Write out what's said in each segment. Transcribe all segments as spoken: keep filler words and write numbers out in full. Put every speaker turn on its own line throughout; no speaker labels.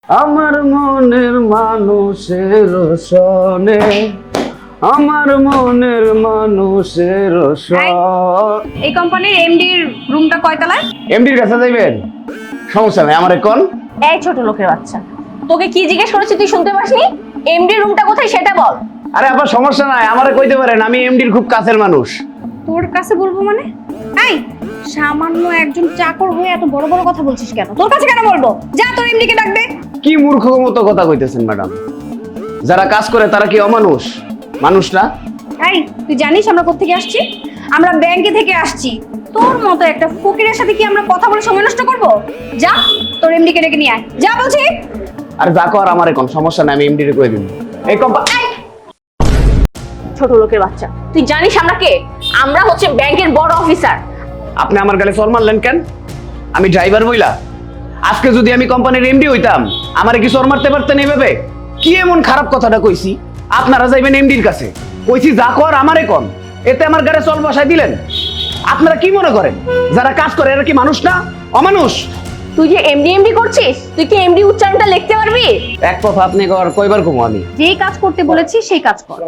আমার মনের মানুষের সনে, আমার মনের মানুষের সনে।
এই কোম্পানির এমডির রুমটা কয়তলায়?
এমডির কাছে যাইবেন? সমস্যা নাই, আমার কোন।
এই ছোট লোকের বাচ্চা, তোকে কি জিজ্ঞেস করেছি তুই শুনতে পাসনি? এমডির রুমটা কোথায় সেটা বল।
আরে আবার সমস্যা নাই, আমারে কইতে পারেন, আমি এমডির খুব কাছের মানুষ।
তোর কাছে বলবো মানে? এই সামান্য একজন চাকর হয়ে এত বড় বড় কথা বলছিস কেন? তোর কাছে কেন বলবো? যা তোর এমডিকে ডাক দে।
কি মূর্খ মতো কথা কইতেছেন ম্যাডাম? যারা কাজ করে তারা কি অমানুষ? মানুষ না?
এই তুই জানিস আমরা কোত্থেকে আসছি? আমরা ব্যাংকে থেকে আসছি। তোর মতো একটা ফকিরের সাথে কি আমরা কথা বলে সময় নষ্ট করব? যা তোর এমডিকে ডেকে নিয়ে আয়, যা বলছি।
আর যা কর আমার কোন সমস্যা নাই, আমি এমডিরে কই দিই। এই কোম্পানি
ছোট লোকের বাচ্চা, তুই জানিস আমরা কে? আমরা হচ্ছে ব্যাংকের বড় অফিসার।
আপনি আমার গালে চড় মারলেন কেন? আমি ড্রাইভার বইলা? আজকে যদি আমি কোম্পানির এমডি হইতাম, আমারে কি চড় মারতে পারতেন এইভাবে? কি এমন খারাপ কথাটা কইছি? আপনারা যাইবেন এমডির কাছে, কইছি যা কর আমারে কোন, এতে আমার গালে চল বসাই দিলেন। আপনারা কি মনে করেন যারা কাজ করে এরা কি মানুষ না, অমানুষ?
তুই যে এমডি এমডি করছিস, তুই কি এমডি উচ্চারণটা লিখতে পারবি?
এক কথা আপনি কর কয়বার কমু আমি?
যেই কাজ করতে বলেছি সেই কাজ কর।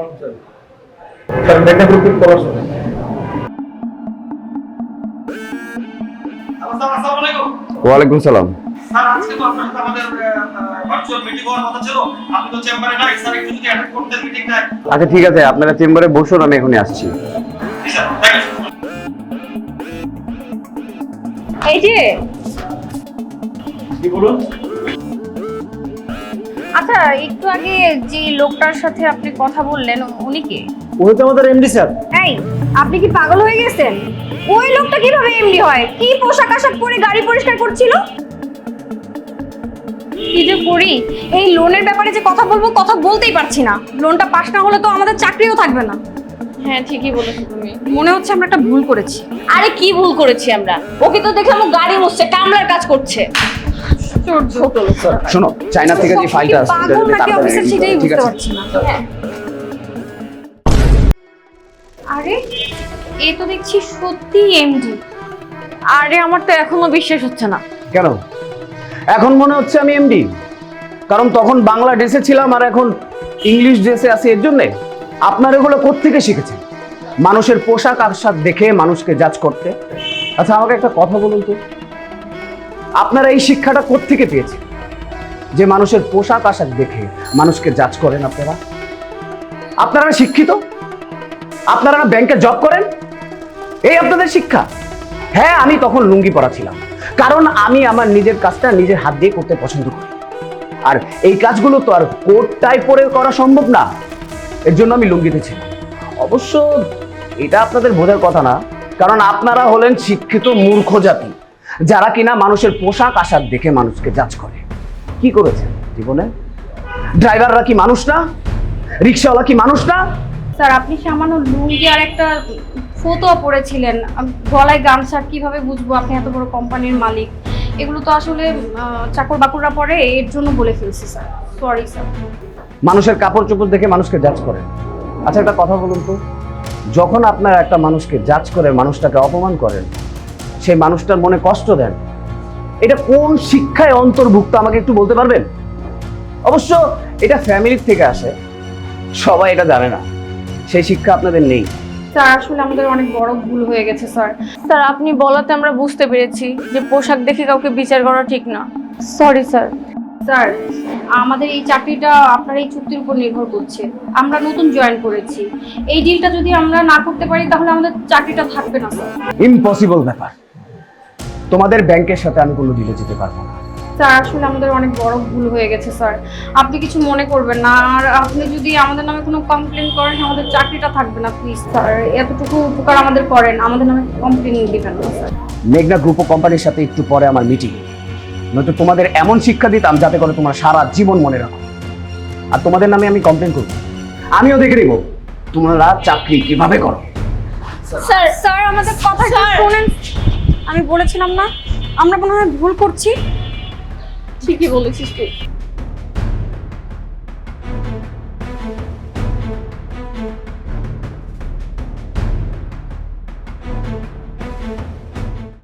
ওয়ালাইকুম সালাম।
স্যার আজকে তো আপনার সাথে আমাদের ভার্চুয়াল মিটিং হওয়ার কথা ছিল, আপনি তো চেম্বারে নাই। স্যার একটু যদি অ্যাটেন্ড করতেন মিটিংটা।
আচ্ছা ঠিক আছে, আপনারা চেম্বারে বসুন, আমি এখনই আসছি।
জি স্যার, থ্যাংক ইউ।
এই যে
কি বলুন?
আচ্ছা, একটু আগে যে লোকটার সাথে আপনি কথা বললেন উনি কে?
ওই তো আমাদের এমডি স্যার।
এই আপনি কি পাগল হয়ে গেছেন? ওই লোকটা কিভাবে এমডি হয়? কি পোশাক আশাক পরে গাড়ি পরিষ্কার করছিল? কি যে করি, এই লোনের ব্যাপারে যে কথা বলবো কথা বলতেই পারছি না। লোনটা পাস না হলে তো আমাদের চাকরিও থাকবে না।
হ্যাঁ ঠিকই বলেছো তুমি।
মনে হচ্ছে আমরা একটা ভুল করেছি।
আরে কি ভুল করেছি আমরা? ওকে তো দেখলাম ও গাড়ি মুছছে, কামলার কাজ করছে। ছোট লোক।
শোনো, চায়না থেকে যে ফাইলটা আসছে
পাগল নাকি অফিসার সেটাই
ঠিক
বুঝতে
আছে।
পারছি না।
হ্যাঁ।
আরে এ তো দেখছি সত্যি এমডি।
আরে আমার তো এখনো বিশ্বাস হচ্ছে না।
কেন এখন মনে হচ্ছে আমি এমডি? কারণ তখন বাংলা ড্রেসে ছিলাম আর এখন ইংলিশ ড্রেসে আছি। এর জন্যে আপনার এগুলো কোত্থেকে শিখেছেন? মানুষের পোশাক আশাক দেখে মানুষকে জাজ করতে? আচ্ছা আমাকে একটা কথা বলুন তো, আপনারা এই শিক্ষাটা কোত্থেকে পেয়েছেন যে মানুষের পোশাক আশাক দেখে মানুষকে জাজ করেন? আপনারা আপনারা শিক্ষিত? আপনারা ব্যাংকে জব করেন? এই আপনাদের শিক্ষা? হ্যাঁ, আমি তখন লুঙ্গি পরা ছিলাম, কারণ আমি আমার নিজের কাজটা নিজের হাত দিয়ে করতে পছন্দ করি। আর এই কাজগুলো তো আর কোট টাই পরে করা সম্ভব না, এর জন্য আমি লুঙ্গিতে ছিলাম। অবশ্য এটা আপনাদের বোঝার কথা না, কারণ আপনারা হলেন শিক্ষিত মূর্খ জাতি, যারা কিনা মানুষের পোশাক আশাক দেখে মানুষকে জাজ করে। কি করেছেন জীবনে? ড্রাইভাররা কি মানুষ না? রিক্সাওয়ালা কি মানুষ না?
স্যার আপনি সামান্য লুঙ্গি আর একটা ফতোয়া পরেছিলেন, গলায় গামছা, কিভাবে বুঝবো আপনি এত বড় কোম্পানির মালিক? এগুলো তো আসলে চাকর বাকররা পরে, এর জন্য বলে ফেলছি স্যার। Sorry sir.
মানুষের কাপড় চোপড় দেখে মানুষকে জাজ করেন? আচ্ছা একটা কথা বলুন তো, যখন আপনারা একটা মানুষকে জাজ করে মানুষটাকে অপমান করেন, সেই মানুষটার মনে কষ্ট দেন, এটা কোন শিক্ষায় অন্তর্ভুক্ত আমাকে একটু বলতে পারবেন? অবশ্য এটা ফ্যামিলির থেকে আসে, সবাই এটা জানে না, সেই শিক্ষা আপনাদের নেই।
স্যার আসলে আমাদের অনেক বড় ভুল হয়ে গেছে স্যার।
স্যার আপনি বলাতে আমরা বুঝতে পেরেছি যে পোশাক দেখে কাউকে বিচার করা ঠিক না। Sorry sir.
স্যার আমাদের এই চাকরিটা আপনার এই চুক্তির উপর নির্ভর করছে। আমরা নতুন জয়েন করেছি, এই ডিলটা যদি আমরা না করতে পারি তাহলে আমাদের চাকরিটা থাকবে না স্যার।
ইম্পসিবল ব্যাপার, তোমাদের ব্যাংকের সাথে আমি কোনো ডিলে যেতে পারবো না।
স্যার আসলে আমাদের অনেক বড় ভুল হয়ে গেছে স্যার, আপনি কিছু মনে করবেন না। আর আপনি যদি আমাদের নামে কোনো কমপ্লেন করেন আমাদের চাকরিটা থাকবে না প্লিজ স্যার। এতটুকু উপকার আমাদের করেন, আমাদের নামে কমপ্লেন দিবেন না স্যার।
মেঘনা গ্রুপ অফ কোম্পানির সাথে একটু পরে আমার মিটিং, নয়তো তোমাদের এমন শিক্ষা দিতাম যাতে করে তোমরা সারা জীবন মনে রাখো। আর তোমাদের নামে আমি কমপ্লেন করব, আমিও দেখে নেব তোমরা চাকরি কিভাবে করো।
স্যার স্যার আমাদের কথাটা শুনেন। আমি বলেছিলাম না আমরা মনে হয় ভুল করছি।
ঠিকই বলেছিস তুই।